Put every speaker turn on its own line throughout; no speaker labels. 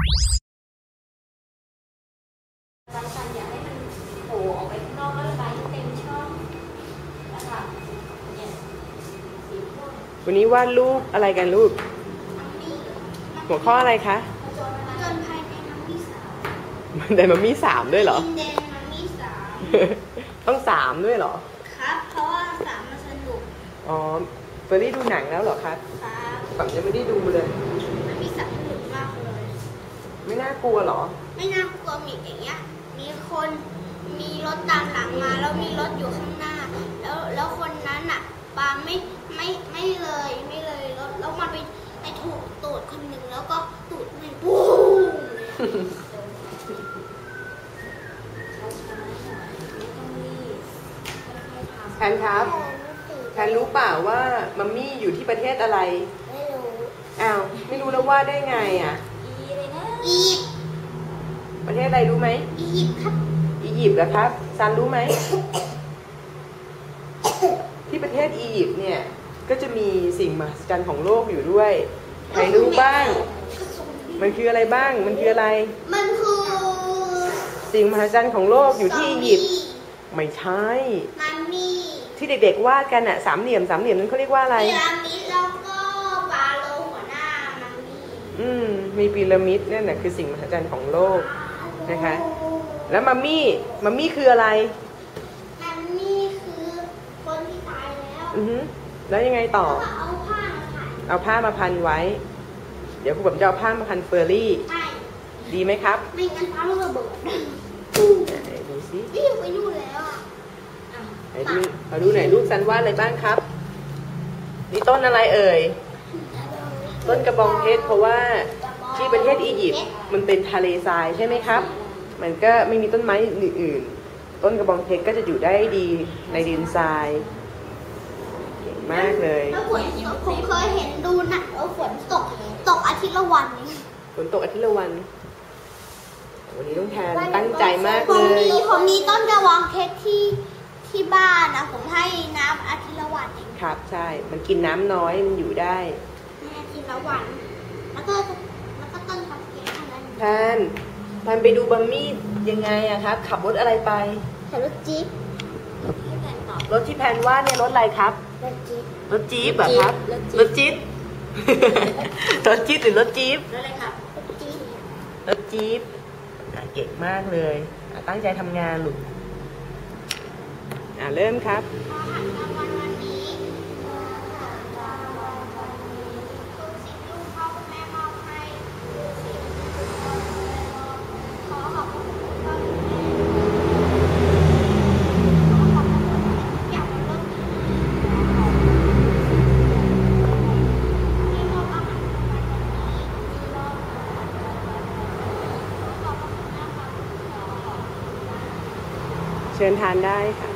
การสั่นอยากให้มันโผล่ออกไปข้างนอกแล้วระบายให้เต็มช่องนะคะเนี่ยสีม่วง
วันนี้วาดรูปอะไรกันลูกหัวข้ออะไรคะ
จนภายในมัมมี่สาม
ไดมัมมี่สามด้วยเหรอ
เดนมัมมี่สาม
ต้องสามด้วยเหรอ
ครับเพราะว่าสามมันสนุก
อ๋อเฟอร์รี่ดูหนังแล้วเหรอครับ
ครับ
ฝั่งยังไม่ได้ดูเลย
มัมมี่สามสนุกมากเลย
ไม่น่ากลัวเหรอ
ไม่น่ากลัวมีอย่างเงี้ยมีคนมีรถตามหลังมาแล้วมีรถอยู่ข้างหน้าแล้วคนนั้นอ่ะปาไม่เลยรถแล้วมันไปถูกตูดคนหนึ่งแล้วก็ตูดมันปุ้ง
แพนครับแพนรู้เปล่าว่ามัมมี่อยู่ที่ประเทศอะไร
ไม่รู้
อ้าวไม่รู้แล้วว่าได้ไงอ่ะ
อียิปต์
ประเทศอะไรรู้ไหม
อียิปต์ครับ
อียิปต์เหรอครับซันรู้ไหม ที่ประเทศอียิปต์เนี่ยก็จะมีสิ่งมหัศจรรย์ของโลกอยู่ด้วยใครรู้บ้างมันคืออะไรบ้างมันคืออะไร
มันคือ
สิ่งมหัศจรรย์ของโลกอยู่ที่อียิปต์ไม่ใช่
มัมมี่
ที่เด็กๆวาดกันอะสามเหลี่ยมนั้นเขาเรียกว่าอะไร
พีระมิดแล้วก็ฟาโรห์หัวหน้ามัมมี่
มีพีระมิดนั่นแหละคือสิ่งมหัศจรรย์ของโลกนะคะแล้วมัมมี่คืออะไร
มัมมี่คือคนที่ตายแล้ว
แล้วยังไงต่อ
เอาผ้ามาพัน
ไว้เดี๋ยวครูแบบจะเอาผ้ามาพันเฟอร์รี่ดีไหมครับ
ไม่งั้นฟ้าระเบิด
ดูสิ
นี่ไปนู่นแล้วอ่ะ
เอาดูไหนลูกซันวาดอะไรบ้างครับนี่ต้นอะไรเอ่ยต้นกระบองเพชรเพราะว่าที่ประเทศอียิปต์มันเป็นทะเลทรายใช่ไหมครับมันก็ไม่มีต้นไม้อื่นๆต้นกระบองเพชรก็จะอยู่ได้ดีในดินทรายเก่งมากเลย
แล้วฝนผมเคยเห็นดูหนังแล้วฝนตกอาทิตย์ละวัน
ฝนตกอาทิตย์ละวันวันนี้ต้องแทนตั้งใจมากเลย
ผมมีต้นกระบองเพชรที่บ้านนะผมให้น้ำอาทิตย์ละวันเอง
ครับใช่มันกินน้ำน้อยมันอยู่ได้
อาทิตย์ละวันแล้วก็ต้นกระบองเพชร
แทนไปดูบัมมี่ยังไงอะครับขับรถอะไรไป
ขับรถจี๊ป
รถที่แพนว่าเนี่ยรถอะไรครับรถจี๊ปแบบครับรถจี๊ปรถจี๊ปหรือรถจี๊ป
รถอะไรครับ
รถจี๊ปเก่งมากเลยตั้งใจทำงานลูกเริ่มครับเชิญทานได้ค่ะ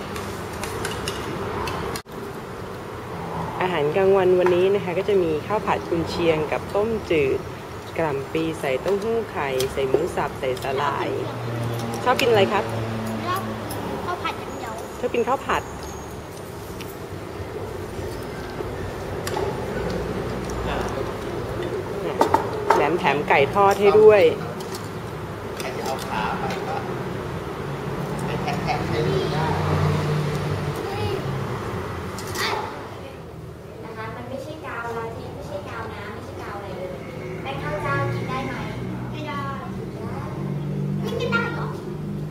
อาหารกลางวันวันนี้นะคะก็จะมีข้าวผัดกุนเชียงกับต้มจืดกะหล่ำปีใส่เต้าหู้ไข่ใส่หมูสับใส่สาหร่ายชอบกินอะไรครับ
ข้าวผัดอย่างเดียว
ชอบกินข้าวผัดแหนมแถมไก่ทอดให้ด้วย
นะคะมันไม่ใช่กาวลาเทสไม่ใช่กาวน้ำไม่ใช่กาวอะไรเลยแป้งข้าวเจ้ากินได้ไหมไม่ได้ไม่ได้หรอ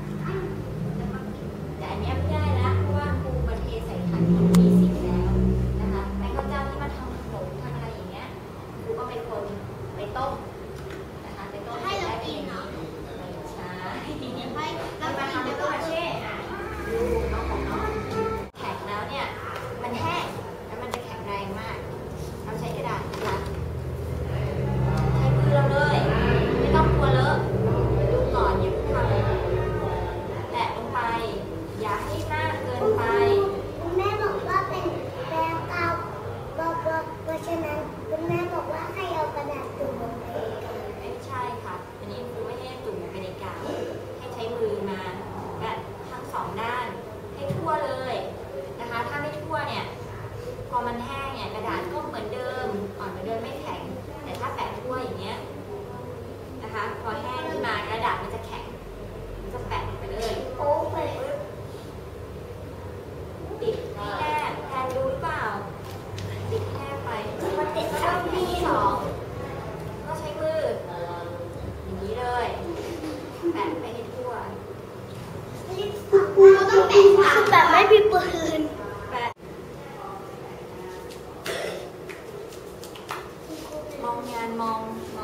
แต่อันนี้ไม่ได้แล้วเพราะว่าครูมาเทใส่ขันมีสิบแล้วนะคะแป้งข้าวเจ้าที่มาทำขนมทำอะไรอย่างเงี้ยครูก็เป็นคนไปต้มนะคะไปต้มให้เรากินเนาะใช่ให้เรามาทำเป็นตัวเช่ดูน้องของน้องแข็งแล้วเนี่ยมันแห้งแล้วมันจะแข็งแรงมากเราใช้กระดาษนะคะใช้มือเราเลยไม่ต้องกลัวเลอะดูก่อนอย่าเพิ่งทำเลยแตะลงไปอย่าให้มากเกินไปคุณแม่บอกว่าเป็นแป้งกาวบอกเพราะฉะนั้นคุณแม่บอกว่าให้เอากระดาษจุ่มลงไปไม่ใช่ค่ะอันนี้ครูไม่ให้จุ่มลงไปในกาวให้ใช้มือมาแบบทั้งสองด้านให้ทั่วเลยนะคะถ้าไม่ทั่วเนี่ยพอมันแห้งเนี่ยกระดาษก็เหมือนเดิมอ่อนเหมือนเดิมไม่แข็งแต่ถ้าแปะทั่วอย่างเงี้ยนะคะพอแห้งขึ้นมากระดาษมันจะแข็งมันจะแปะไปเลยโอ้ไปติดให้แน่แทนรู้หรือเปล่าติดแน่ไปมันติดแล้วที่สองก็ใช้มืออย่างนี้เลยแปะไปให้ทั่ว
แบบไม่มีปืน
แปะมองงานมอง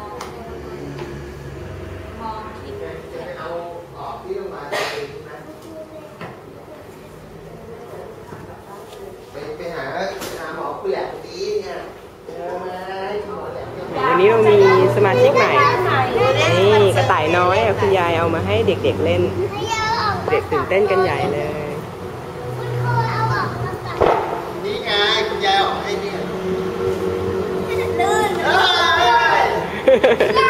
ที่
เอาออกที่ลงมาไปหาหมอผู้ใหญ่ดีเนี่ย
วันนี้เรามีสมาชิกใหม่ นี่กระต่ายน้อยคุณยายเอามาให้เด็กๆเล่น เด็กตื่นเต้นกันใหญ่เลย
นี่ไงคุณยายออกให้เนี่ย
ลื่น